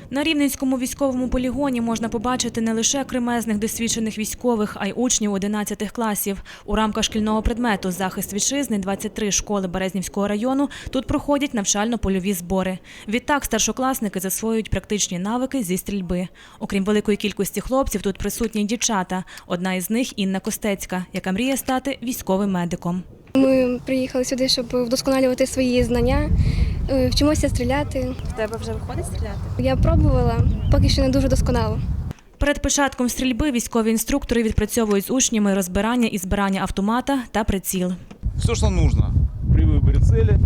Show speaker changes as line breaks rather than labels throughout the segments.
На Рівненському військовому полігоні можна побачити не лише кремезних досвідчених військових, а й учнів 11 класів. У рамках шкільного предмету «Захист вітчизни» 23 школи Березнівського району тут проходять навчально-польові збори. Відтак старшокласники засвоюють практичні навики зі стрільби. Окрім великої кількості хлопців, тут присутні й дівчата. Одна із них – Інна Костецька, яка мріє стати військовим медиком.
Ми приїхали сюди, щоб вдосконалювати свої знання, вчимося стріляти.
В тебе вже виходить стріляти?
Я пробувала, поки що не дуже досконало.
Перед початком стрільби військові інструктори відпрацьовують з учнями розбирання і збирання автомата та приціл.
Все, что нужно при выборе цели,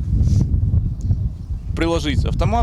приложить автомат,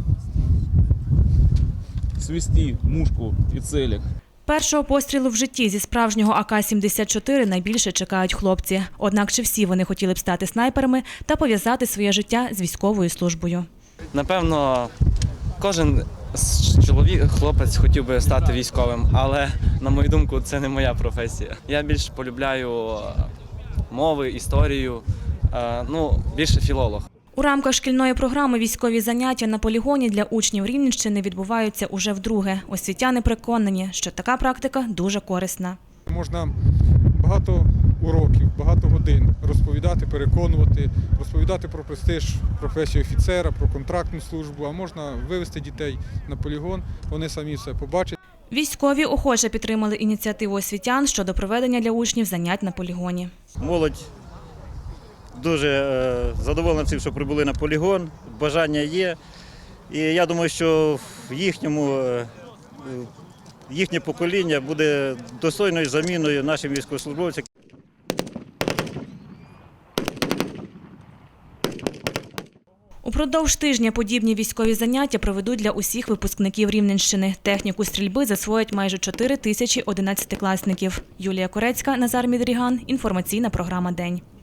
свести мушку и целик.
Першого пострілу в житті зі справжнього АК-74 найбільше чекають хлопці. Однак чи всі вони хотіли б стати снайперами та пов'язати своє життя з військовою службою?
Напевно, кожен хлопець хотів би стати військовим, але, на мою думку, це не моя професія. Я більш полюбляю мови, історію, більше філолог.
У рамках шкільної програми військові заняття на полігоні для учнів Рівненщини відбуваються уже вдруге. Освітяни переконані, що така практика дуже корисна.
Можна багато уроків, багато годин розповідати, переконувати, розповідати про престиж професії офіцера, про контрактну службу, а можна вивезти дітей на полігон, вони самі все побачать.
Військові охоче підтримали ініціативу освітян щодо проведення для учнів занять на полігоні.
Молодь дуже задоволена цим, що прибули на полігон, бажання є. І я думаю, що їхнє покоління буде достойною заміною нашим військовослужбовцям.
Упродовж тижня подібні військові заняття проведуть для усіх випускників Рівненщини. Техніку стрільби засвоять майже 4 тисячі 11-класників. Юлія Корецька, Назар Мідріган. Інформаційна програма «День».